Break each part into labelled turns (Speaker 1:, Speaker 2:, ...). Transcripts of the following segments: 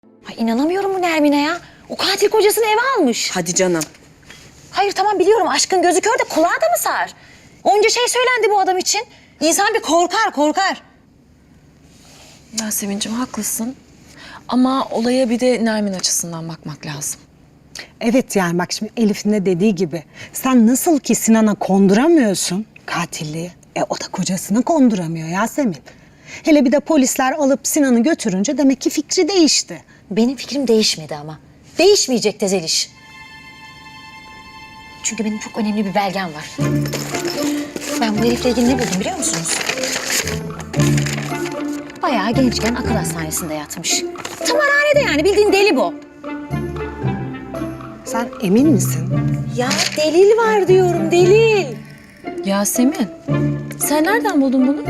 Speaker 1: Ay inanamıyorum bu Nermin'e ya. O katil kocasını eve almış.
Speaker 2: Hadi canım.
Speaker 1: Hayır tamam biliyorum aşkın gözü kör de kulağa da mı sar? Onca şey söylendi bu adam için. İnsan bir korkar.
Speaker 2: Yasemin'cim haklısın. Ama olaya bir de Nermin açısından bakmak lazım.
Speaker 3: Evet yani bak şimdi Elif'in de dediği gibi sen nasıl ki Sinan'a konduramıyorsun katilliği, o da kocasına konduramıyor Yasemin. Hele bir de polisler alıp Sinan'ı götürünce demek ki fikri değişti.
Speaker 1: Benim fikrim değişmedi ama. Değişmeyecek de Zeliş. Çünkü benim çok önemli bir belgem var. Ben bu herifle ilgili ne buldum biliyor musunuz? Bayağı gençken akıl hastanesinde yatmış. Tımarhanede yani bildiğin deli bu.
Speaker 3: Sen emin misin?
Speaker 1: Ya delil var diyorum delil.
Speaker 2: Yasemin, sen nereden buldun bunu?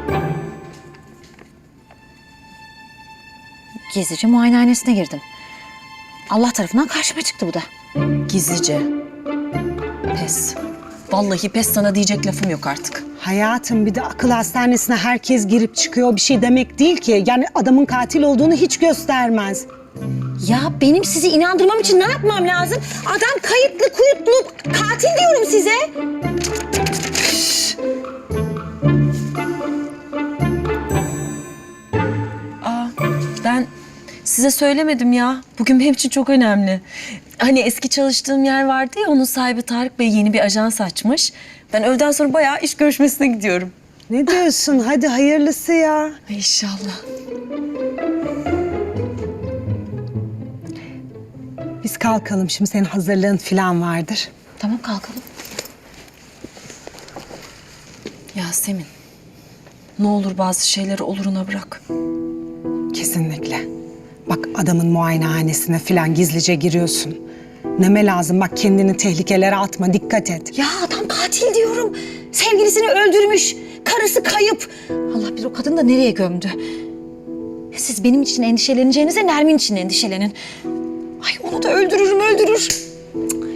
Speaker 1: Gizlice muayenehanesine girdim. Allah tarafından karşıma çıktı bu da.
Speaker 2: Gizlice. Pes. Vallahi pes, sana diyecek lafım yok artık.
Speaker 3: Hayatım bir de akıl hastanesine herkes girip çıkıyor bir şey demek değil ki. Yani adamın katil olduğunu hiç göstermez.
Speaker 1: Ya benim sizi inandırmam için ne yapmam lazım? Adam kayıtlı kuyutlu katil diyorum size.
Speaker 2: Ben size söylemedim ya. Bugün benim için çok önemli. Hani eski çalıştığım yer vardı ya, onun sahibi Tarık Bey yeni bir ajans açmış. Ben öğleden sonra bayağı iş görüşmesine gidiyorum.
Speaker 3: Ne diyorsun? Hadi hayırlısı ya.
Speaker 2: Ay İnşallah.
Speaker 3: Biz kalkalım şimdi senin hazırlığın falan vardır.
Speaker 1: Tamam kalkalım.
Speaker 2: Yasemin, ne olur bazı şeyleri oluruna bırak.
Speaker 3: Kesinlikle. Bak adamın muayenehanesine falan gizlice giriyorsun. Neme lazım bak kendini tehlikelere atma dikkat et.
Speaker 1: Ya adam katil diyorum. Sevgilisini öldürmüş. Karısı kayıp. Allah bilir o kadını da nereye gömdü. Siz benim için endişeleneceğinize Nermin için endişelenin. Ay onu da öldürür.